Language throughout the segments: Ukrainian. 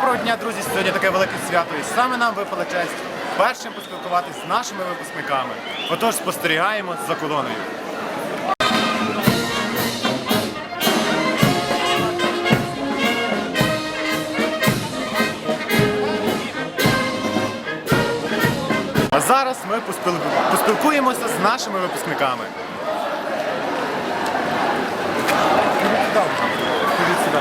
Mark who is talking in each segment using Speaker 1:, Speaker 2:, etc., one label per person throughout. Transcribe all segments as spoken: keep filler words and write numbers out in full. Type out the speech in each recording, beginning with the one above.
Speaker 1: Доброго дня, друзі! Сьогодні таке велике свято, і саме нам випала честь першим поспілкуватися з нашими випускниками. Отож, спостерігаємо за колоною. А зараз ми поспіл- поспілкуємося з нашими випускниками. Ходіть сюди.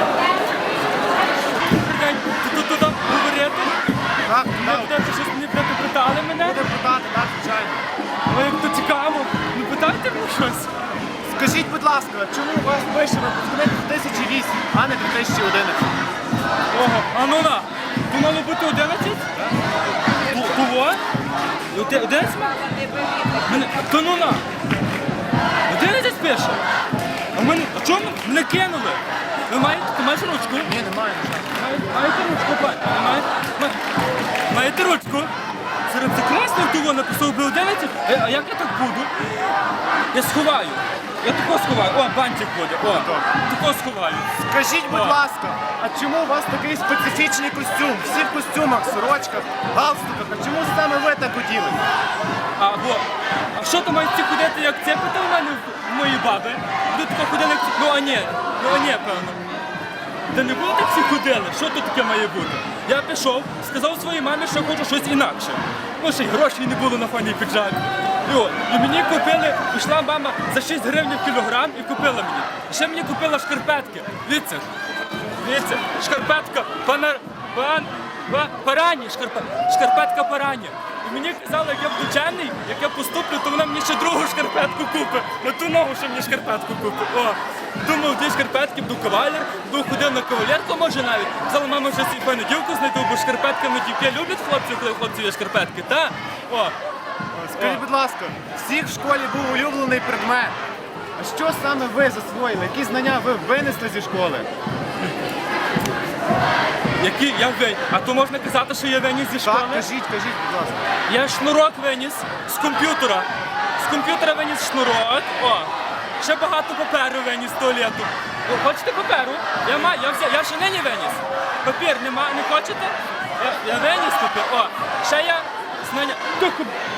Speaker 2: Тут туди говорити?
Speaker 1: Так,
Speaker 2: Не
Speaker 1: так.
Speaker 2: будете щось мені будете питали мене?
Speaker 1: Будемо питати, так, звичайно.
Speaker 2: Ой, як то цікаво. Ну питайте мені щось.
Speaker 1: Скажіть, будь ласка, чому у вас пише випускник дві тисячі вісім, а не дві тисячі одинадцять?
Speaker 2: Ого, а ну на. То мало бути одинадцять? Кого? одинадцять? Мене, то ну на. одинадцять пише? А мене, а чому мене кинули? Ви маєте, ти маєш ручку?
Speaker 1: Ні, немає.
Speaker 2: Маєте, маєте ручку, пані? Не маєте? Ма- Маєте ручку? Серед прекрасних того написав би одинадцять. Е, А як я так буду? Я сховаю. Я тако сховаю. О, бантик буде. О, тако сховаю.
Speaker 1: Скажіть, будь
Speaker 2: О.
Speaker 1: ласка, а чому у вас такий специфічний костюм? Всі в костюмах, сорочках, галстуках. А чому саме ви так оділи?
Speaker 2: А, бо, а що то мають ці ходити, як це питав у мене в моїй баби? Люди тако ходили, як ці... Ну, а ні, ну, а ні, певно. Та не було так всі ходили, що тут таке має бути? Я пішов, сказав своїй мамі, що хочу щось інакше. Ну, ще й грошей не було на фоні піджак. І, от, і мені купили, пішла мама за шість гривень кілограм і купила мені. І ще мені купила шкарпетки. Дивіться, дивіться, шкарпетка, пана, пан, па, парані, шкарпе, шкарпетка парані. І мені казали, як я буду чемний, як я поступлю, то вона мені ще другу шкарпетку купить. На ту ногу ще мені шкарпетку купить. О, думав, дві шкарпетки, буду кавалер, буду ходив на кавалерку, може навіть. Сказала, мама, вже свій певну дівку знайду, бо шкарпетка на дівки люблять хлопців, коли хлопці є шкарпетки, та? О,
Speaker 1: Скажіть, будь ласка, всіх в школі був улюблений предмет. А що саме ви засвоїли? Які знання ви винесли зі школи?
Speaker 2: які я винен. А то можна казати, що я виніс зі школи?
Speaker 1: Так, кажіть, кажіть, будь ласка.
Speaker 2: Я шнурок виніс з комп'ютера. З комп'ютера виніс шнурок. О, ще багато паперу виніс з туалету. О, хочете паперу? Я маю, я взяв, я ще нині виніс. Папір нема, не хочете? Я, я виніс папір. О, ще я знання. Тихо.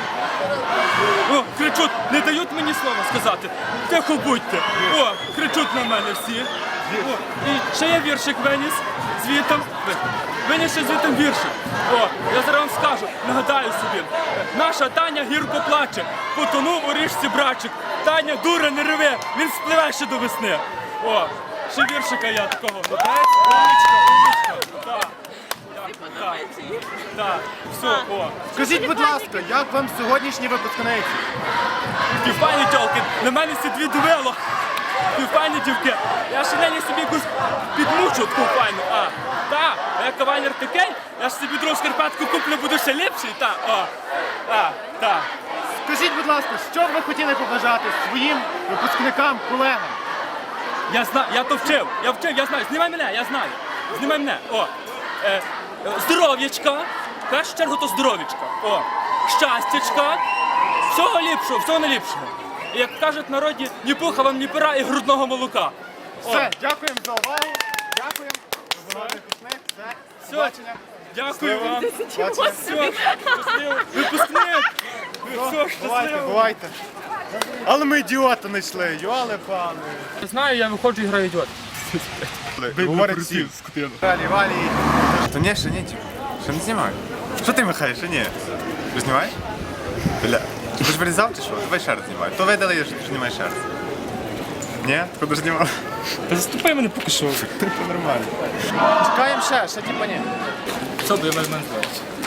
Speaker 2: О, кричуть, не дають мені слова сказати. Тихо будьте. О, кричуть на мене всі. О, і ще я віршик виніс звітом. Виніс ще звітом віршик. О, я зараз вам скажу, нагадаю собі. Наша Таня гірко плаче, потонув у річці брачик. Таня, дура, не реве, він спливе ще до весни. О, ще віршика я такого. Молодець, умничка, умничка. Так. Так, так, все, о.
Speaker 1: Скажіть, будь ласка, як вам сьогоднішні випускниці?
Speaker 2: Півфайні тьолки, на мене всі дві дивило. Півфайні дівки. Я ще нині собі якусь підмучу таку файну. А, та, а я кавалер такий, я ж собі другу шкарпетку куплю, буду ще ліпший. Та, о, а, та.
Speaker 1: Скажіть, будь ласка, що б ви хотіли побажати своїм випускникам, колегам?
Speaker 2: Я знаю, я то вчив, я вчив, я знаю. Знімай мене, я знаю. Знімай мене. О, е, е, здоров'ячка. В першу чергу то здоров'ячка. О, щастячка. Всього ліпшого, всього найліпшого. І як кажуть в народі, ні пуха вам, ні пера і грудного молока. О,
Speaker 1: Все, дякуємо за увагу. Дякуємо. Випускник, все.
Speaker 2: все,
Speaker 1: Бачення.
Speaker 2: дякую вам.
Speaker 1: Бачення.
Speaker 2: Все, щасливо. Випускник. Все,
Speaker 1: Бувайте,
Speaker 2: щасливо.
Speaker 1: бувайте. Але ми ідіота знайшли, юали пане.
Speaker 2: Знаю, я виходжу і граю ідіот.
Speaker 1: Говорить всі. Валі, валі. Та ні, ще ні, типу. Ще не знімаю. Що ти махаєш, ще ні? Ти знімаєш? Бля. Ти ж вирізав чи що? Давай ще раз знімай. То видали, що ти знімаєш ще раз. Ні? Куди ж знімав?
Speaker 2: Та заступай мене поки що.
Speaker 1: Це нормально. Чекаємо ще, ще типа ні.
Speaker 2: Все, бо я мене звати.